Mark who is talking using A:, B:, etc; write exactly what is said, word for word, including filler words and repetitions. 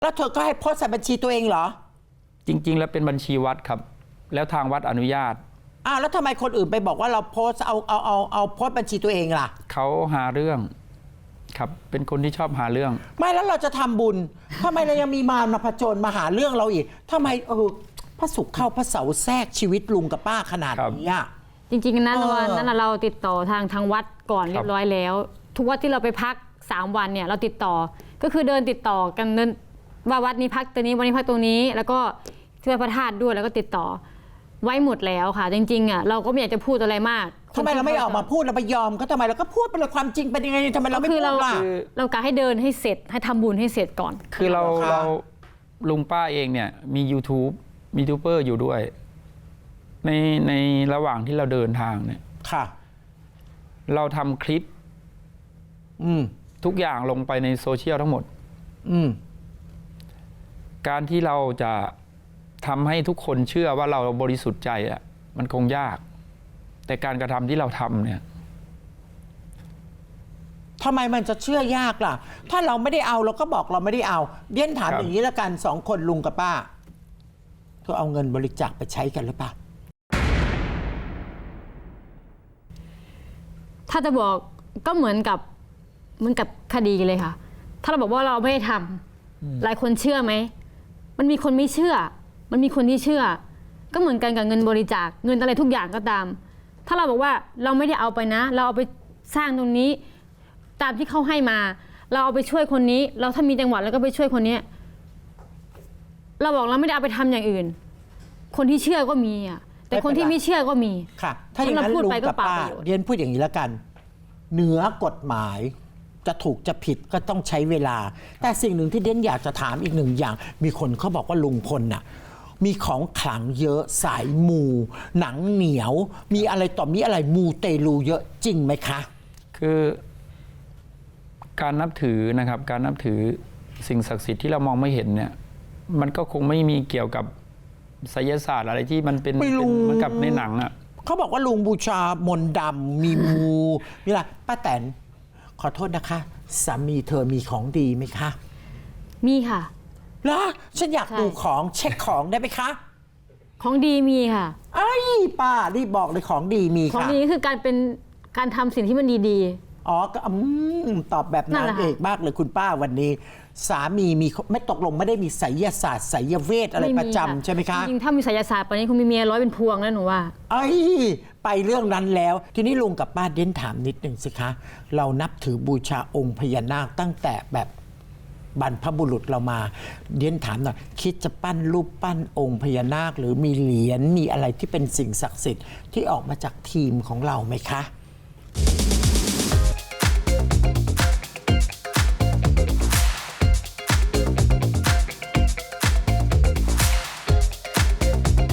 A: แล้วเธอก็ให้โพสต์ใส่บัญชีตัวเองเหรอ
B: จริงๆแล้วเป็นบัญชีวัดครับแล้วทางวัดอนุญาต
A: อ้าวแล้วทำไมคนอื่นไปบอกว่าเราโพสต์เอาเอาเอาเอาโพสต์บัญชีตัวเองล่ะ
B: เขาหาเรื่องครับเป็นคนที่ชอบหาเรื่อง
A: ไม่แล้วเราจะทำบุญทำไมเรายังมีมารมาผจญมาหาเรื่องเราอีกทำไมเออพระศุกร์เข้าพระเสาร์แทรกชีวิตลุงกับป้าขนาดนี้อ่ะ
C: จริงๆนั้นวันนั้นเราติดต่อทางทางวัดก่อนเรียบร้อยแล้วทุกวัดที่เราไปพักสามวันเนี่ยเราติดต่อก็คือเดินติดต่อกันเดินว่าวัดนี้พักตัวนี้วันนี้พักตรงนี้แล้วก็ช่วยพระธาตุด้วยแล้วก็ติดต่อไว้หมดแล้วค่ะจริงๆอ่ะเราก็ไม่อยากจะพูดอะไรมาก
A: ทำไมเราไม่ออกมาพูดเราไปยอมก็ทำไมเราก็พูดไปเลยความจริงเป็นยังไงทำไมเราไม่พูดล่ะ
C: เรากะให้เดินให้เสร็จให้ทำบุญให้เสร็จก่อน
B: คือเราเราลุงป้าเองเนี่ยมี YouTube มียูทูบเบอร์อยู่ด้วยในในระหว่างที่เราเดินทางเนี่ย
A: ค่ะ
B: เราทำคลิป
A: อืม
B: ทุกอย่างลงไปในโซเชียลทั้งหมด
A: อืม
B: การที่เราจะทำให้ทุกคนเชื่อว่าเราบริสุทธิ์ใจอ่ะมันคงยากแต่การกระทำที่เราทำเนี่ย
A: ทำไมมันจะเชื่อยากล่ะถ้าเราไม่ได้เอาเราก็บอกเราไม่ได้เอาเดี้ยนถามอย่างนี้แล้วกันสองคนลุงกับป้าเธอเอาเงินบริจาคไปใช้กันหรือเปล่า
C: ถ้าจะบอกก็เหมือนกับเหมือนกับคดีเลยค่ะถ้าเราบอกว่าเราไม่ได้ทำหลายคนเชื่อไหมมันมีคนไม่เชื่อมันมีคนที่เชื่อก็เหมือนกันกับเงินบริจาคเงินอะไรทุกอย่างก็ตามถ้าเราบอกว่าเราไม่ได้เอาไปนะเราเอาไปสร้างตรงนี้ตามที่เขาให้มาเราเอาไปช่วยคนนี้เราถ้ามีจังหวัดแล้วก็ไปช่วยคนนี้เราบอกเราไม่ได้เอาไปทำอย่างอื่นคนที่เชื่อก็มีอ่ะแต่คนที่ไม่เชื่อก็มี
A: ค่ะถ้าอย่างนั้นลุงกับป้าเรียนพูดอย่างนี้แล้วกันเหนือกฎหมายจะถูกจะผิดก็ต้องใช้เวลาแต่สิ่งหนึ่งที่เด่นอยากจะถามอีกหนึ่งอย่างมีคนเขาบอกว่าลุงพลน่ะมีของขลังเยอะสายมูหนังเหนียวมีอะไรต่อมีอะไรมูเตลูเยอะจริงไหมคะ
B: คือการนับถือนะครับการนับถือสิ่งศักดิ์สิทธิ์ที่เรามองไม่เห็นเนี่ยมันก็คงไม่มีเกี่ยวกับไสยศาสตร์อะไรที่มันเป็นเหมือนกับในหนังอ่ะ
A: เขาบอกว่าลุงบูชามนต์ดำมีมูมีอะไรป้าแตนขอโทษนะคะสามีเธอมีของดีไหมคะ
C: มีค่ะ
A: แล้วฉันอยากดูของเช็คของได้ไหมคะ
C: ของดีมีค่ะ
A: ไอ้ป้ารีบบอกเลยของดีมีค่ะ
C: ของดีคือการเป็นการทำสิ่งที่มันดี
A: ๆอ๋อก็อืมตอบแบบนางเอกมากเลยคุณป้าวันนี้สามีมีไม่ตกลงไม่ได้มีไสยศาสตร์ไสยเวทอะไรประจำใช่ไหมคะ
C: จริงๆถ้ามีไสยศาสตร์ปานนี้คงมีเมียร้อยเป็นพวงแล้วหนูว่า
A: ไอ้ไปเรื่องนั้นแล้วทีนี้ลุงกับป้าเด่นถามนิดหนึ่งสิคะเรานับถือบูชาองค์พญานาคตั้งแต่แบบบรรพบุรุษเรามาเด่นถามหน่อยคิดจะปั้นรูปปั้นองค์พญานาคหรือมีเหรียญมีอะไรที่เป็นสิ่งศักดิ์สิทธิ์ที่ออกมาจากทีมของเราไหมคะ